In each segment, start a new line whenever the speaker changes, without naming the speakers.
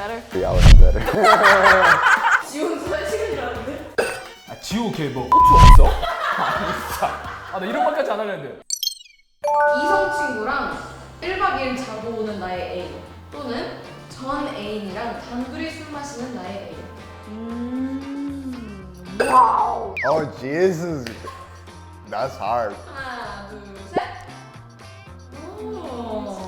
better?
3 hours better.
지훈 소식인 줄 알았는데.
아 지호 걔뭐 고추 없어? 아 진짜. 나 이런 말까지 안 하려는데.
이성 친구랑 1박 2일 자고 오는 나의 애인 또는 전 애인이랑 단둘이 술 마시는 나의 애인.
와우.
Oh Jesus, that's hard.
하나, 둘, 셋. 오.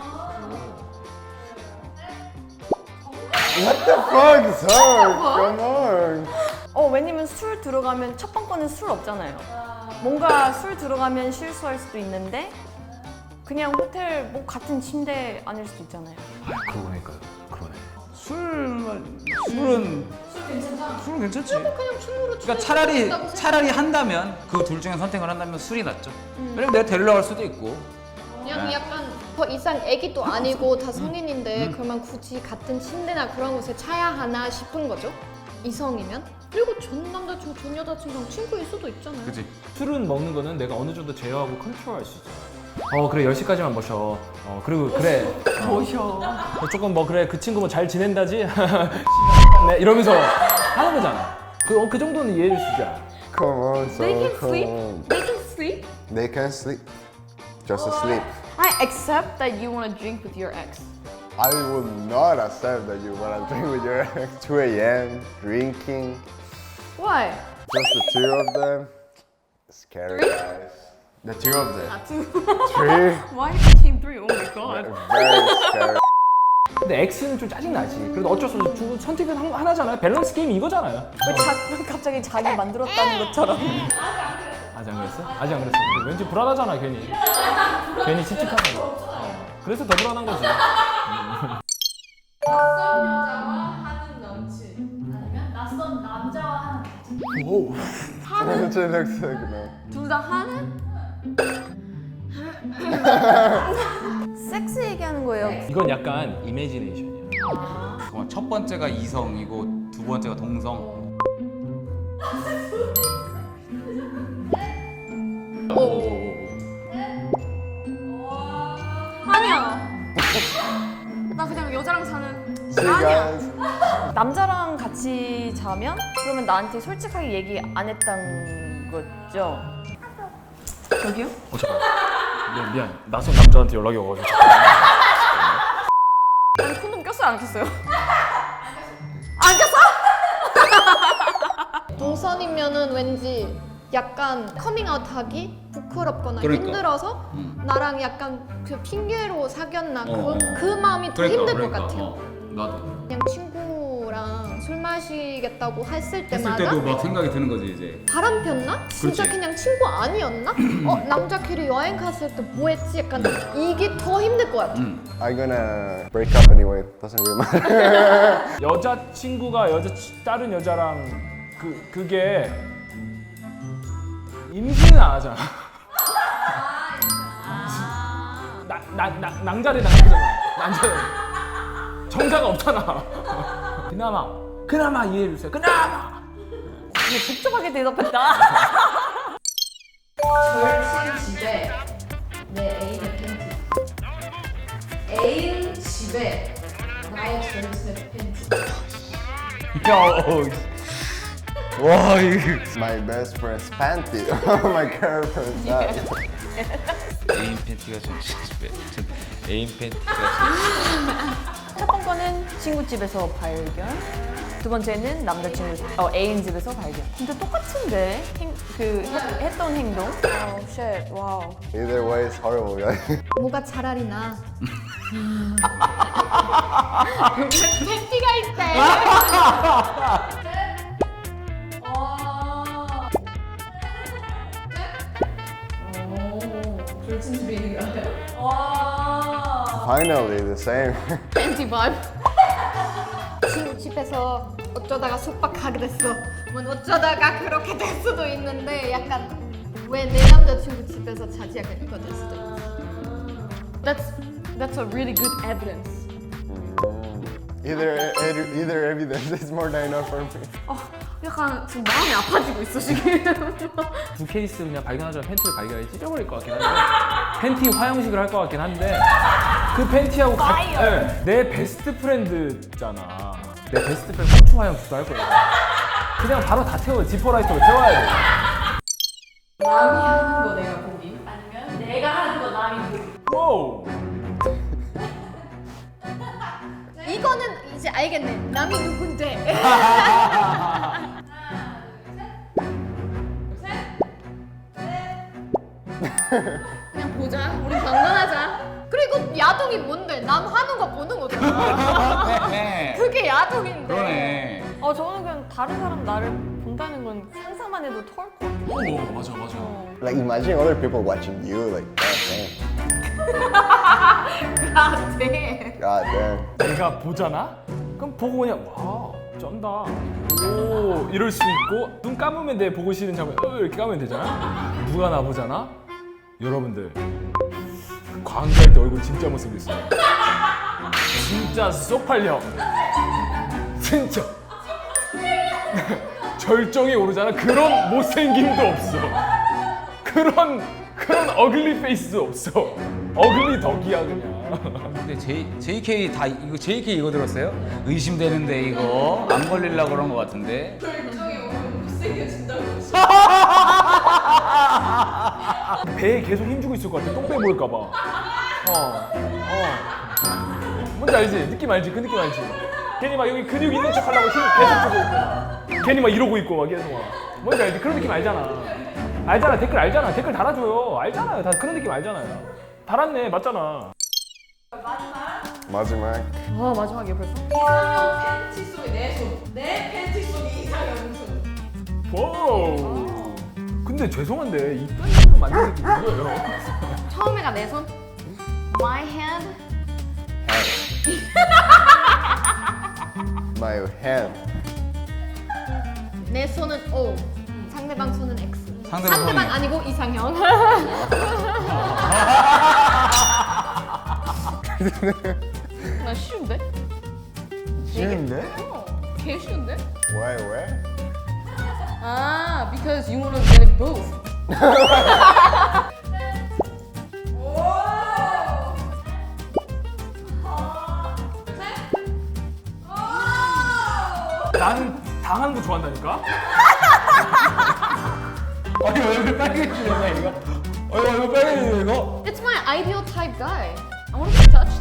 What the fuck is hard? Come on.
왜냐면 술 들어가면 첫 번째는 술 없잖아요. 뭔가 술 들어가면 실수할 수도 있는데 그냥 호텔 뭐 같은 침대 아닐 수도 있잖아요.
그러니까요. 그러네.
술은
술 괜찮다.
술은 괜찮지.
그냥 친구로
그러니까 차라리 한다면 그 둘 중에 선택을 한다면 술이 낫죠. 왜냐면 내가 데리러 갈 수도 있고.
그냥 약간 더 이상 애기도 아니고 다 성인인데 그러면 굳이 같은 침대나 그런 곳에 차야 하나 싶은 거죠? 이성이면? 그리고 전 남자친구, 전 여자친구랑 친구일 수도 있잖아요.
그치?
술은 먹는 거는 내가 어느 정도 제어하고 컨트롤할 수 있잖아. 그래 10시까지만 마셔. 그리고 그래.
모셔.
조금 뭐 그래 그 친구 뭐 잘 지낸다지? 네 이러면서 하는 거잖아. 그 정도는 이해를 주자.
Come on, son.
They can
come
sleep.
on.
They can sleep.
They can sleep. Just asleep.
I accept that you want to drink with your ex.
I will not accept that you wanna drink with your ex. 2 a.m. drinking.
Why?
Just the two of them. Scary guys. The two of them. Three.
Why became three? Oh my god.
Very scary.
근데 X는 좀 짜증나지. 그래도 어쩔 수 없이 선택은 하나잖아요. 밸런스 게임 이거잖아요.
왜 갑자기 자기 만들었다는 것처럼.
아직 안 그랬어? 아직 안 그랬어. 왠지 불안하잖아 괜히. 괜히 찝찝하잖아. 그래서 더 불안한 거지.
낯선 여자와 하는 남친 아니면 낯선 남자와 하는 남친.
오.
It looks like no.
둘 다 하는? 섹스 얘기하는 거예요.
이건 약간 이미지네이션이야.
잠깐만, 첫 번째가 이성이고 두 번째가 동성.
아니야. 나 그냥 여자랑 사는.
See guys.
남자랑 같이 자면 그러면 나한테 솔직하게 얘기 안 했던 거죠? 저기요?
잠깐. 미안. 낯선 남자한테 연락이 와가지고.
아니 콘돔 꼈어요 안 꼈어요? 안 꼈어?
동선이면은 왠지 약간 커밍아웃하기 부끄럽거나
그러니까.
힘들어서 나랑 약간 그 핑계로 사귀었나
어.
그 마음이 더 힘들 것 같아요.
나도.
그냥 친구랑 술 마시겠다고 했을
했을
때마다
때도 막 생각이 드는 거지 이제.
바람 폈나? 진짜
그렇지.
그냥 친구 아니었나? 남자끼리 여행 갔을 때 뭐 했지? 약간 이게 더 힘들 것 같아.
I'm gonna break up anyway. Doesn't really matter.
여자 친구가 다른 여자랑 그게 임신은 안 하잖아. 낭자리 낭자잖아. 낭자리. 정자가 없잖아. 그나마 이해해 주세요. 그나마.
이게 복잡하게 대답했다.
절친 집에 내 애인의 팬티. 애인 집에 나의 절친의 팬티.
와 이거.
My best friend's panty. Oh, my girlfriend's that.
애인 팬티가 전 집에 애인 팬티가
첫 번째는 친구 집에서 발견. 두 번째는 남자친구 애인 집에서 발견. 근데 똑같은데 했던 행동. 쉣 와우.
Either way, it's horrible, guys.
뭐가 차라리 나. 팬티가 있대.
절친 집에 있는 게 아니에요? 와.
Finally, the same.
팬티 바이브. 친구 집에서 어쩌다가 속박하게 됐어. 뭐 어쩌다가 그렇게 될 수도 있는데 약간 왜 내 남자친구 집에서 자지 약간 이거 될 수도 있어.
That's a really good evidence.
Either evidence is more than enough for me.
약간 지금 마음이 아파지고 있어 지금.
두 케이스 그냥 발견하자면 팬티를 발견해 찢어버릴 것 같긴 한데 팬티 화형식을 할 것 같긴 한데 그 팬티하고 네, 내 베스트 프렌드잖아. 내 베스트 프렌드 고추 화형식도 할 거야. 그냥 바로 다 태워. 지퍼라이터로 태워야 돼.
남이 하는 거 내가 보기. 아니면 내가 하는 거 남이 보기.
와우.
이거는 이제 알겠네. 남이 누군데? 그냥 보자. 우리 방문하자. 그리고 야동이 뭔데? 남 하는 거 보는 거잖아.
네.
그게 야동인데.
그러네.
저는 그냥 다른 사람 나를 본다는 건 상상만 해도 토할 것 같아요.
오 맞아 맞아.
Like imagine other people watching you. Like god
아, 네.
damn. God damn.
내가 보잖아? 그럼 보고 그냥 와 쩐다. 오 이럴 수 있고 눈 감으면 내 보고 싶은 장면 이렇게 감으면 되잖아? 누가 나 보잖아? 여러분들 광고할 때 얼굴 진짜 못생겼어요. 진짜 쏙팔려. 진짜 절정에 오르잖아. 그런 못생김도 없어. 그런 어글리 페이스도 없어. 어글리 덕이야 그냥.
근데 JK 다 이거 JK 이거 들었어요? 의심되는데 이거 안 걸리려고 그런 거 같은데.
결정이 오면 못생겨진다고.
배에 계속 힘주고 있을 것 같아. 똥배 보일까봐. 뭔지 알지? 느낌 알지? 그 느낌 알지? 괜히 막 여기 근육 있는 척 하려고 힘 계속 주고 있고. 괜히 막 이러고 있고 막 계속 막. 뭔지 알지? 그런 느낌 알잖아. 알잖아. 댓글 알잖아. 댓글 달아줘요. 알잖아요. 다 그런 느낌 알잖아요. 달았네. 맞잖아.
마지막.
마지막에 벌써?
이상형 팬티 속에 내 손. 내 팬티 속에 이상형 손.
와우. 근데 죄송한데 이딴 식으로 만드는 게 뭐예요?
처음에가 내 손. My hand.
My hand.
내 손은 O. 상대방 손은 X.
상대방 손이.
아니고 이상형. 나 쉬운데?
쉬운데?
개 쉬운데?
Why? Where?
아, because you wanna get it both.
나는 당하는 거 좋아한다니까?
아니 얼굴 빨개지네 이거. 얼굴 빨개지네 이거.
It's my ideal type guy. I want to be touched.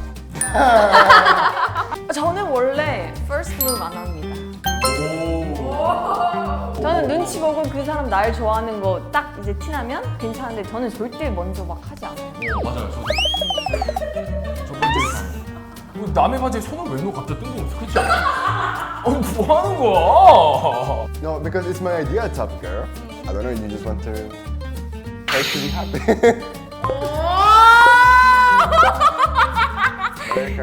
저는 원래 first move 안 합니다. 저는 눈치 보고 그 사람 날 좋아하는 거 딱 이제 티나면 괜찮은데 저는 절대 먼저 막 하지 않아요.
맞아요. 저도. 첫 번째 이상. 이거 남의 바지에 손을 왜 넣어 갑자기 뜬금없어. 그렇지 않아? 뭐 하는 거야?
No, because it's my idea type of girl. I don't know. You just want to be happy. Very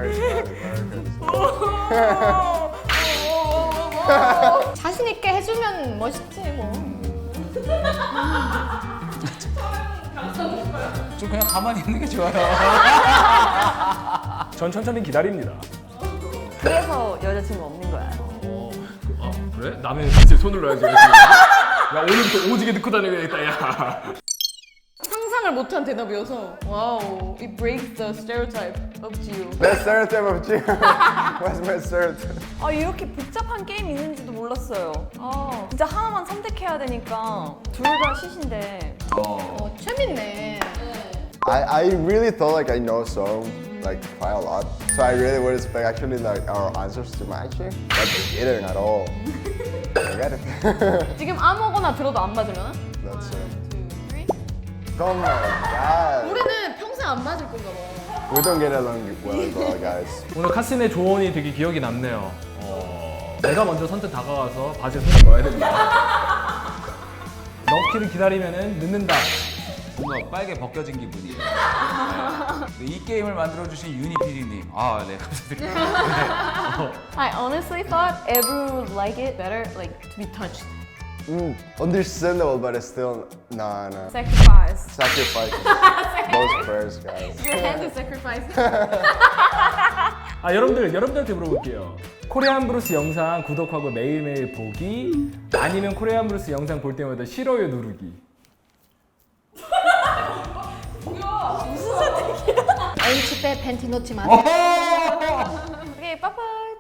charismatic.
자신 있게 해주면 멋있지 뭐.
좀 그냥 가만히 있는 게 좋아요.
전 천천히 기다립니다.
그래서 여자친구 없는 거야.
아 그래? 남의 바지에 손을 넣어야지. 야 오늘부터 오지게 넣고 다녀야겠다. 야.
상상을 못한 대답이어서 와우, it breaks the stereotype of you.
Best stereotype of you. What's my stereotype?
이렇게 복잡한 게임 있는지도 몰랐어요. 진짜 하나만 선택해야 되니까 둘 다 시신데.
재밌네.
I really thought like I know some like quite a lot, so I really would expect actually like our answers to match it, but they didn't at all. Forget it.
지금 아무거나 들어도 안 맞으려나?
That's it. Oh my god.
우리는 평생 안 맞을 건가 봐.
We don't get along well at all, guys.
오늘 카슨의 조언이 되게 기억이 남네요. 내가 먼저 선뜻 다가가서 바지에 손을 넣어야 된다. 넣기를 기다리면은 늦는다.
뭔가 빨개 벗겨진 기분이에요. 네. 이 게임을 만들어주신 유니 PD님. 아, 네, 감사드립니다.
I honestly thought everyone would like it better, like to be touched.
Understandable, but it's still no.
Sacrifice.
Sacrifice those prayers, guys.
Your hand is sacrificed.
아 여러분들한테 물어볼게요. 코리안 브루스 영상 구독하고 매일매일 보기 아니면 코리안 브루스 영상 볼 때마다 싫어요 누르기.
애인 집에 팬티 놓지 마세요.